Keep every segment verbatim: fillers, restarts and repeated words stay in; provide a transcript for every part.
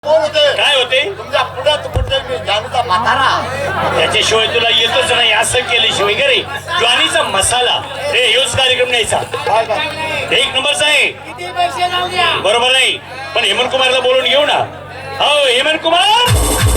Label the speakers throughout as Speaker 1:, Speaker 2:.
Speaker 1: काय होते
Speaker 2: तुमच्या पुढ्यात कुठे मी जानूचा म्हातारा
Speaker 1: त्याच्याशिवाय तुला येतच नाही असं केल्याशिवाय का रे ज्वानीचा मसाला हे योच कार्यक्रम न्यायचा एक नंबरचा आहे
Speaker 2: किती पैसे जाऊ द्या
Speaker 1: बरोबर नाही पण हेमंत कुमारला बोलून घेऊ ना हो हेमंत कुमार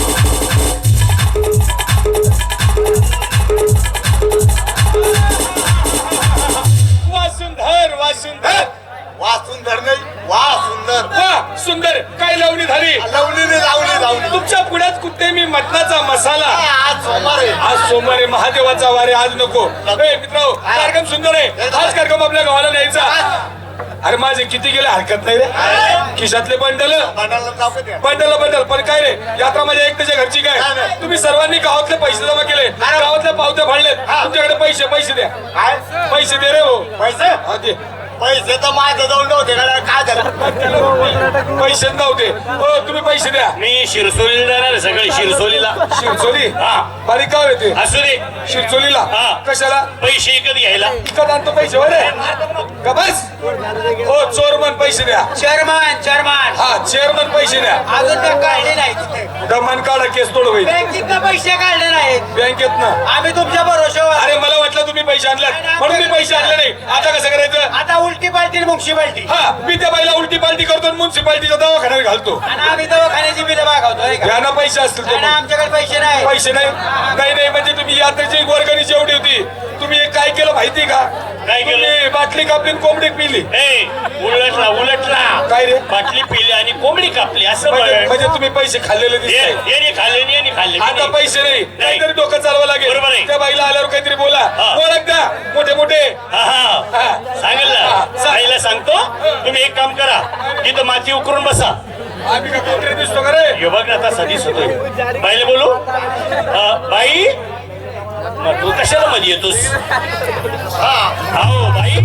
Speaker 3: वा सुंदर वा सुंदर
Speaker 2: वा सुंदर नाही वा सुंदर
Speaker 3: वा सुंदर काय लावणी झाली
Speaker 2: लवलीने लावली लावली
Speaker 3: तुमच्या पुढ्यात कुठे मी मटणाचा मसाला
Speaker 2: आज सोमवार आहे
Speaker 3: आज सोमवार आहे महादेवाचा वारे आज नको ए मित्र कार्यक्रम सुंदर आहे हाच कार्यक्रम आपल्या गावाला न्यायचा अरे माझे किती गेले हरकत नाही रे खिशातले बंडल
Speaker 2: बंडाला जाऊ का द्या
Speaker 3: बंडल बंडल पण काय रे यात्रा माझ्या एकट्याच्या घरची काय तुम्ही सर्वांनी गावातले पैसे जमा केले गावातल्या पावत्या फाडलेत तुमच्याकडे पैसे पैसे द्या
Speaker 2: काय
Speaker 3: पैसे दे रे हो
Speaker 2: पैसे
Speaker 3: हा दे
Speaker 2: पैसे तर माझ्या जवळ नव्हते का काय झालं
Speaker 3: पैसे नव्हते हो तुम्ही पैसे द्या
Speaker 1: मी शिरसोलीला जाणार सगळे शिरसोलीला
Speaker 3: शिरचोली
Speaker 1: हा
Speaker 3: बारीक गाव येते
Speaker 1: असू दे
Speaker 3: शिरचोलीला
Speaker 1: हा.
Speaker 3: कशाला
Speaker 1: पैसे विकत घ्यायला
Speaker 3: विकत आणतो पैसे बरे का बस हो चोरमन पैसे द्या
Speaker 2: चेअरमन चेअरमन
Speaker 3: हा चेअरमन पैसे द्या
Speaker 2: अजून ते काढले नाही
Speaker 3: दमान काढा केस तोड होईल
Speaker 2: बँकेत पैसे काढले नाहीत
Speaker 3: बँकेत ना
Speaker 2: आम्ही तुमच्या भरोशावर
Speaker 3: अरे मला वाटलं तुम्ही पैसे आणल्यात म्हणून मी पैसे आणले नाही आता कसं करायचं
Speaker 2: आता उलटी पालटी म्युन्सिपाल्टी
Speaker 3: हा मी त्या बाईला उलटी पालटी करतो म्युन्सिपाल्टीच्या दवाखान्यात घालतो
Speaker 2: आणि आम्ही दवाखान्याची बिलं मागवतोय का
Speaker 3: यांना पैसे असतील तर
Speaker 2: आणि
Speaker 3: मग.
Speaker 2: आमच्याकडे पैसे नाही
Speaker 3: पैसे नाही नाही नाही म्हणजे तुम्ही यात्रेची वर्गणी जेवढी होती तुम्ही हे काय केलं माहिती का
Speaker 1: काय केलं?
Speaker 3: तुम्ही बाटली कापली आणि कोंबडी पिली
Speaker 1: ए उलटला उलटला
Speaker 3: काय रे?
Speaker 1: बाटली पिली आणि कोंबडी कापली असं
Speaker 3: म्हणजे
Speaker 1: म्हण.
Speaker 3: म्हणजे तुम्ही पैसे खाल्लेले
Speaker 1: ये-
Speaker 3: दिसताय
Speaker 1: याने खाल्ले आणि याने खाल्ले
Speaker 3: आता पैसे नाही काहीतरी डोकं चालवा लागेल
Speaker 1: बरोबर आहे.
Speaker 3: त्या बाईला आल्यावर काहीतरी बोला
Speaker 1: हा.
Speaker 3: ओळख द्या मोठे मोठे
Speaker 1: हा हा
Speaker 3: हा.
Speaker 1: सांगेल
Speaker 3: हा,
Speaker 1: ना
Speaker 3: सांग.
Speaker 1: साईला सांगतो तुम्ही एक काम करा तिथं माती उकरून बसा
Speaker 3: आम्ही का कोंबडी दिसतो का रे
Speaker 1: हे बघ ना आता सदीच होतोय बाईला बोलू अ, बाई मग तू कशाला मध्ये येतोस हा हो बाई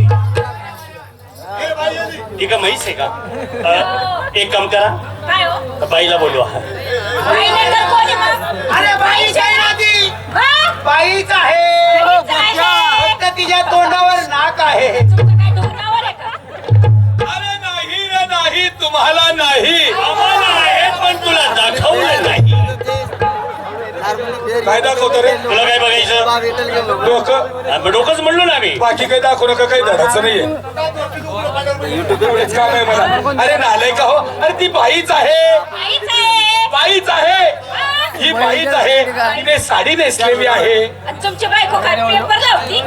Speaker 1: ठीक आहे म्हैस आहे का अ, एक काम करा
Speaker 4: काय हो?
Speaker 1: बाईला बोलवा
Speaker 4: बाई नाही तर कोणी मग?
Speaker 2: अरे बाईच आहे ना ती
Speaker 4: हा?
Speaker 2: बाईच आहे
Speaker 4: बाईच आहे.
Speaker 2: फक्त तिच्या तोंडावर नाक आहे
Speaker 4: तुमचं काय डोंगरावर आहे का?
Speaker 3: अरे नाही रे नाही तुम्हाला नाही
Speaker 1: आम्हाला आहे पण तुला दाखवलं नाही
Speaker 3: काय दाखवतो रे
Speaker 1: तुला काय बघायचं
Speaker 3: डोकं
Speaker 1: आ, मग डोकंच म्हणलो ना आम्ही
Speaker 3: बाकी काही दाखवू नका काही धडाचं नाहीये एवढेच काम आहे मला अरे नालाय का हो अरे ती बाईच आहे
Speaker 4: बाईच आहे.
Speaker 3: बाईच आहे ही बाईच आहे तिने साडी नेसलेली आहे
Speaker 4: आणि तुमची बायको काय पेपर लावती?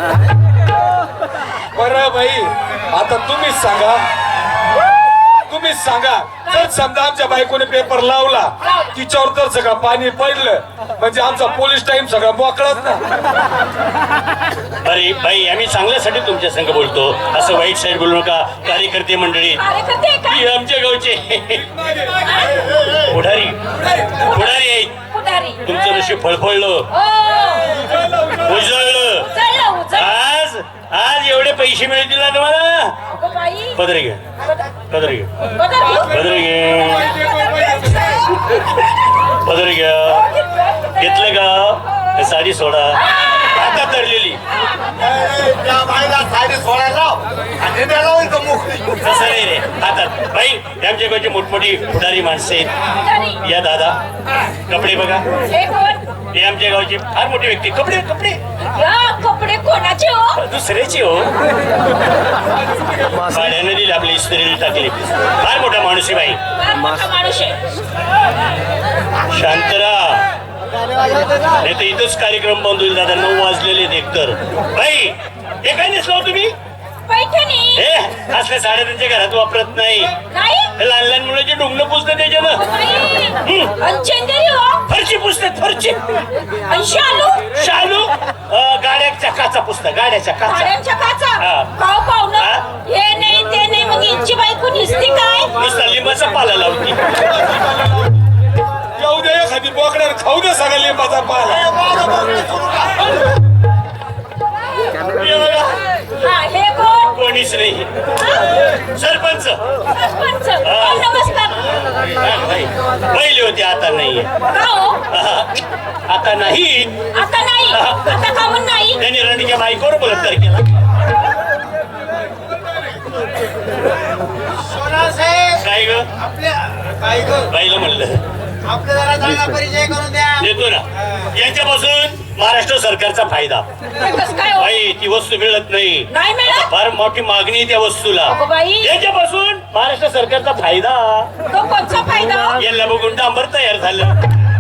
Speaker 3: बरं बाई आता तुम्हीच सांगा तुम्हीच सांगा जर समजा आमच्या बायकोने पेपर लावला तिच्यावर जर सगळं पाणी पडलं म्हणजे आमचा पोलीस टाइम सगळा मोकळाच ना
Speaker 1: अरे बाई आम्ही चांगल्यासाठी तुमच्या संग बोलतो असं वाईट साईड बोलू नका कार्यकर्ते मंडळी
Speaker 4: कार्यकर्ते आहे का?
Speaker 1: ही आमच्या गावचे पुढारी पुढारी आहेत
Speaker 4: पुढारी.
Speaker 1: तुमचं नशीब फळफळलं
Speaker 4: ओ,
Speaker 1: उजळलं
Speaker 4: उचललं, उचललं.
Speaker 1: आज आज एवढे पैसे मिळतील ना तुम्हाला
Speaker 4: अगं बाई.
Speaker 1: पदरे घे पदरे घे
Speaker 4: बघा मी.
Speaker 1: पदरे घे पदरे घ्या घेतलं का हे साडी सोडा आता तरलेली
Speaker 2: त्या बाईला साडी सोडायला लाव आणि त्याला इथं मोकळी
Speaker 1: तसं नाही रे हातात बाई आमच्या गावची मोठमोठी पुढारी माणसं आहेत
Speaker 4: पुढारी.
Speaker 1: या दादा कपडे बघा
Speaker 4: हे कोण?
Speaker 1: हे आमच्या गावची फार मोठी व्यक्ती कपडे कपडे
Speaker 4: या कपडे कोणाचे हो?
Speaker 1: दुसऱ्याची हो भाड्याने दिली आपली इस्त्रीला टाकली फार मोठा माणूस आहे बाई
Speaker 4: फार मोठा माणूस आहे.
Speaker 1: शांतरा नाही तर इथंच कार्यक्रम बंद होईल दादा नऊ वाजलेले आहेत एकतर बाई हे काय नेसलो तुम्ही
Speaker 4: पैठणी.
Speaker 1: हे असल्या साड्या त्यांच्या घरात वापरत नाही
Speaker 4: नाही?
Speaker 1: हे लहान लहान मुलाचे डोंगणं पुसतात त्याच्यानं
Speaker 4: बाई. आणि चंदेरी हो?
Speaker 1: फरची पुसतात फरची
Speaker 4: आणि शालू?
Speaker 1: शालू अं, गाड्याच्या काचा पुसतात गाड्याच्या काचा
Speaker 4: भाड्यांच्या काचा?
Speaker 1: हा.
Speaker 4: पाव पाहुणं.
Speaker 1: हा?
Speaker 4: हे नाही ते नाही मग यांची बायको निसती काय?
Speaker 1: नुसता लिंबाचा पाला लावती
Speaker 3: जाऊ दे एखादी बोकड्या खाऊ दे सगळ्या लिंबाचा पाला
Speaker 1: हे बघा,
Speaker 4: हा, हे कोण?
Speaker 1: कोणीच नाही सरपंच
Speaker 4: सरपंच. ओ, नमस्कार.
Speaker 1: बाई, पहिले होते आता नाही
Speaker 4: का हो?
Speaker 1: आता नाही
Speaker 4: आता नाही. आता का म्हणून नाही?
Speaker 1: त्यांनी रणीच्या बाईकवर बलात्कार केला
Speaker 2: सोना साहेब
Speaker 1: काय काय ग बाईला म्हणलं
Speaker 2: आपल्या जरा चांगला परिचय करून द्या.
Speaker 1: देतो ना. यांच्यापासून महाराष्ट्र सरकारचा फायदा.
Speaker 4: हे कसं काय हो?
Speaker 1: बाई ती वस्तू मिळत नाही,
Speaker 4: नाही मिळत
Speaker 1: फार मोठी मागणी आहे त्या वस्तूला.
Speaker 4: अगो बाई.
Speaker 1: याच्यापासून महाराष्ट्र सरकारचा फायदा.
Speaker 4: तो कोणचा फायदा हो?
Speaker 1: याला बघून डांबर तयार झालं.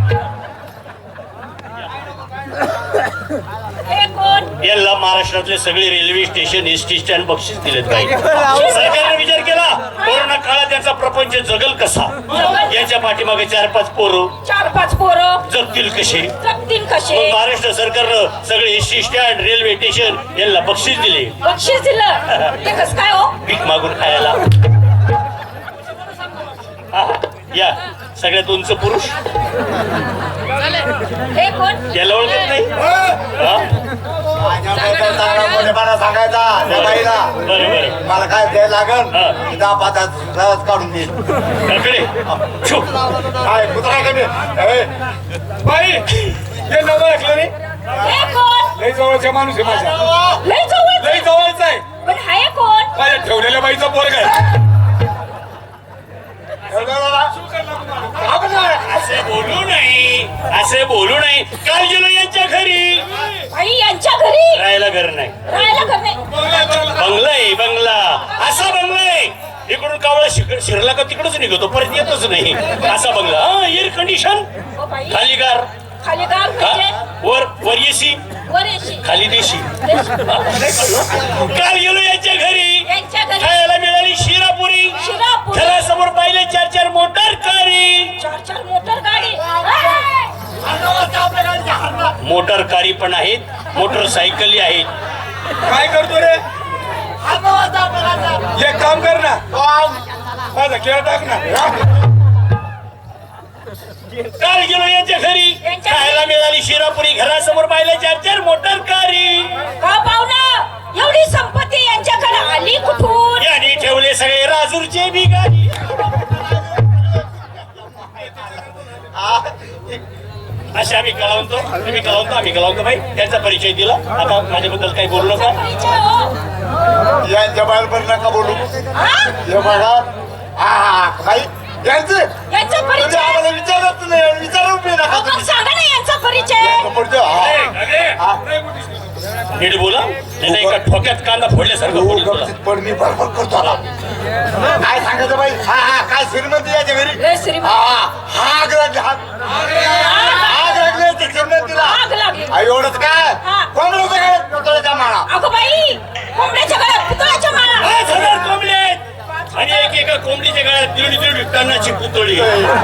Speaker 4: हे कोण
Speaker 1: याला महाराष्ट्रातले सगळे railway station S T stand बक्षीस दिलेत बाई. सरकारने विचार केला कोरोना काळात त्याचा प्रपंच जगल कसा, याच्या पाठीमागे चार पाच पोरं
Speaker 4: चार पाच पोरं
Speaker 1: जगतील कसे.
Speaker 4: जगतील
Speaker 1: मग
Speaker 4: कसे
Speaker 1: महाराष्ट्र सरकारनं सगळे S T stand railway station यांना बक्षीस दिले
Speaker 4: बक्षीस दिलं. हे कसं काय हो?
Speaker 1: पीक मागून खायला. हा, या सगळ्यात उंच पुरुष
Speaker 4: हे कोण
Speaker 1: याला ओळखत नाही. हा?
Speaker 2: माझ्याबद्दल चांगला मोठेपणा सांगायचा त्या बाईला.
Speaker 1: बरं बरं
Speaker 2: मला काय द्यायला लागल
Speaker 1: हा.
Speaker 2: की दहा पाच सहज काढून देईल.
Speaker 1: काकडे छो.
Speaker 2: काय कुत्रा कमी ए,
Speaker 3: बाई हे नवं ऐकलं नाही.
Speaker 4: हे कोण
Speaker 3: लई जवळचा माणूस आहे माझा,
Speaker 4: लय जवळ
Speaker 3: लई जवळचा आहे.
Speaker 4: पण हाय कोण
Speaker 3: माझ्या ठेवलेल्या बाईचा पोरगा आहे.
Speaker 1: असे बोलू नाही, असे बोलू नाही. काल गेलो यांच्या घरी,
Speaker 4: बाई यांच्या घरी
Speaker 1: राहायला घर नाही.
Speaker 4: राहायला घर नाही.
Speaker 1: बंगला आहे बंगला, असा बंगला आहे इकडून कावळा शिक- शिरला का तिकडच निघतो, परत येतच नाही. असा बंगला, हा एअर कंडिशन,
Speaker 4: ओ बाई
Speaker 1: खाली गार,
Speaker 4: खाली गाव
Speaker 1: हा,
Speaker 4: म्हणजे
Speaker 1: वर वर एसी,
Speaker 4: वर येशी.
Speaker 1: खाली देशी. काल गेलो यांच्या घरी,
Speaker 4: यांच्या घरी
Speaker 1: खायला मिळाली शिरापुरी,
Speaker 4: शिरापुरी.
Speaker 1: घरासमोर पाहिले चार चार मोटर कारी.
Speaker 4: चार चार मोटर गाडी
Speaker 1: मोटर कारी पण आहेत, मोटरसायकली आहेत.
Speaker 3: काय करतो रे? एक काम कर ना, माझा खेळ टाक ना.
Speaker 1: काल गेलो यांच्या घरी,
Speaker 4: यांच्या
Speaker 1: खायला मिळाली शिरापुरी, घरासमोर पाहिले चार चार मोटर कारी.
Speaker 4: का पाहुणा एवढी संपत्ती यांच्याकडे आली कुठून?
Speaker 1: यांनी ठेवले सगळे राजूरचे भिकारी. असे आम्ही कळवतो, तुम्ही कळवतो, आम्ही कळवतो. बाई त्यांचा परिचय दिला, आता माझ्याबद्दल काही बोलू नका.
Speaker 4: परिचय हो.
Speaker 2: यांच्या बाहेर नका बोलू.
Speaker 4: हा?
Speaker 2: हे बघा हा हा बाई यांचे
Speaker 4: यांचा
Speaker 2: तुम्ही
Speaker 4: परिचय
Speaker 2: आम्हाला विचारत नाही, विचारू बी नका
Speaker 4: अहो, मग
Speaker 2: तुम्ही.
Speaker 4: सांगा ना यांचा परिचय.
Speaker 2: पुढचं, हा. हा.
Speaker 1: नीट बोला, नाही एका ठोक्यात कांदा फोडल्यासारखं
Speaker 2: हो,
Speaker 1: बोलू तुला.
Speaker 2: गपचीत पण मी बरोबर करतो आता. काय सांगायचं बाई? हा हा काय श्रीमंती याच्या घरी
Speaker 4: लय श्रीमंत.
Speaker 2: हा हा आग लागली आग आग लागली याच्या श्रीमंतीला.
Speaker 4: आग लागली.
Speaker 2: आ, एवढंच काय
Speaker 4: हा.
Speaker 2: कोंबड्याच्या गळ्यात पुतळ्याच्या माळा.
Speaker 4: अगं बाई कोंबड्याच्या गळ्यात पुतळ्याच्या माळा.
Speaker 1: पाच हजार कोंबडे आहेत आणि एक एका कोंबडीच्या गळ्यात दीड दीड टनाची पुतळी.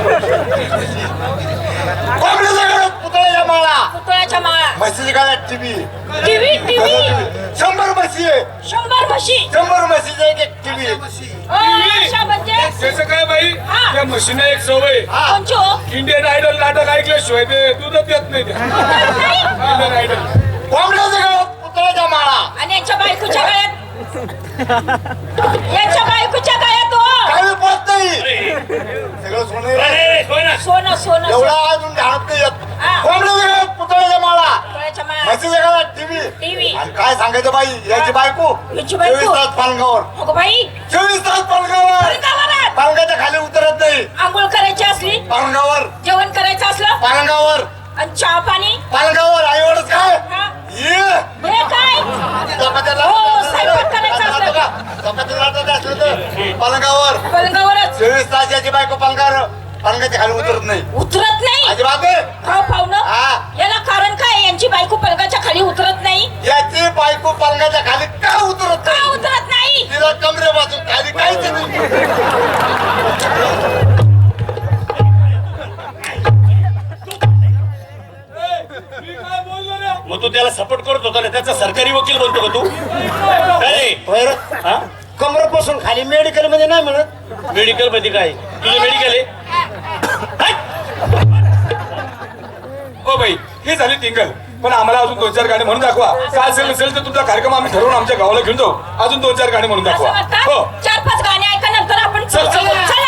Speaker 2: कोंबड्याच्या गळ्यात पुतळ्याच्या माळा.
Speaker 4: पुतळ्याच्या माळा.
Speaker 2: म्हशीच्या गळ्यात टीव्ही.
Speaker 4: टीव्ही टीव्ही
Speaker 2: शंभर म्हशी आहे.
Speaker 4: शंभर म्हशी.
Speaker 2: शंभर म्हशीचा एक एक टीव्ही.
Speaker 4: अशा म्हणजे
Speaker 3: त्याचं काय बाई,
Speaker 4: हा.
Speaker 3: त्या म्हशीने एक सवय,
Speaker 4: कोणची हो?
Speaker 3: इंडियन आयडल नाटक ऐकल्याशिवाय ते दूधच येत नाही. त्या
Speaker 4: नाही.
Speaker 3: इंडियन आयडल
Speaker 2: कोंबड्याच्या गळ्यात पुतळ्याच्या माळा.
Speaker 4: आणि यांच्या बायकोच्या गळ्यात यांच्या बायकोच्या गळ्यात हो.
Speaker 2: काही पोत नाही.
Speaker 1: अरे,
Speaker 2: सगळं सोनं आहे.
Speaker 1: अरे, होय ना.
Speaker 4: सोनं सोनं
Speaker 2: एवढा
Speaker 4: सोनं.
Speaker 2: अजून ध्यानात नाही येत.
Speaker 4: हा.
Speaker 2: कोंबड्याच्या गळ्यात पुतळ्याच्या माळा.
Speaker 4: पुतळ्याच्या माळा.
Speaker 2: म्हशीच्या गळ्यात टीव्ही.
Speaker 4: टीव्ही.
Speaker 2: आणि काय सांगायचं बाई याची बायको
Speaker 4: याची बायको?
Speaker 2: चोवीस तास पालगावर.
Speaker 4: अगं बाई
Speaker 2: चोवीस तास पालगावर.
Speaker 4: पालगावर.
Speaker 2: पालगाच्या खाली उतरत नाही.
Speaker 4: आंघोळ करायची असली
Speaker 2: पालगावर
Speaker 4: जेवण करायचं असलं
Speaker 2: पालगावर
Speaker 4: आणि चहा पाणी
Speaker 2: पालगावर. आई एवढंच काय
Speaker 4: हा.
Speaker 2: ये
Speaker 4: हे काय
Speaker 2: चपात्याला-
Speaker 4: हो, स्वयंपाक करायचा असलं.
Speaker 2: चपात्याला लाटायचं असलं तर पालगावर.
Speaker 4: पलंगावरच
Speaker 2: चोवीस तास याची बायको पालगावर पालगाच्या खाली उतरत नाही.
Speaker 4: उतरत नाही.
Speaker 2: अजिबात नाही.
Speaker 4: हो पाहुणं
Speaker 2: हा.
Speaker 4: याला कारण काय? यांची बायको पलंगाच्या खाली उतरत नाही.
Speaker 2: याची बायको पालगाच्या खाली का उतरत
Speaker 4: का
Speaker 2: नाही?
Speaker 4: उतरत नाही?
Speaker 2: तिला कमरेपासून खाली काहीच नाही.
Speaker 3: मी काय बोललो रे?
Speaker 1: मग तू त्याला सपोर्ट करत होता ना, त्याचा सरकारी वकील बनतो का तू? अरे हा,
Speaker 2: कमरेपासून खाली मेडिकल मध्ये नाही मिळत.
Speaker 1: मेडिकल मध्ये काय तुझं मेडिकल आहे?
Speaker 3: हो बाई, ही झाली टिंगल, पण आम्हाला अजून दोन चार गाणी म्हणून दाखवा. काय असेल नसेल तर तुमचा कार्यक्रम आम्ही ठरवून आमच्या गावाला घेऊन जाऊ. अजून दोन चार गाणी म्हणून
Speaker 4: असं
Speaker 3: दाखवा.
Speaker 4: म्हणता?
Speaker 3: हो
Speaker 4: चार पाच गाणी ऐका नंतर आपण
Speaker 3: चल, चल,
Speaker 4: चल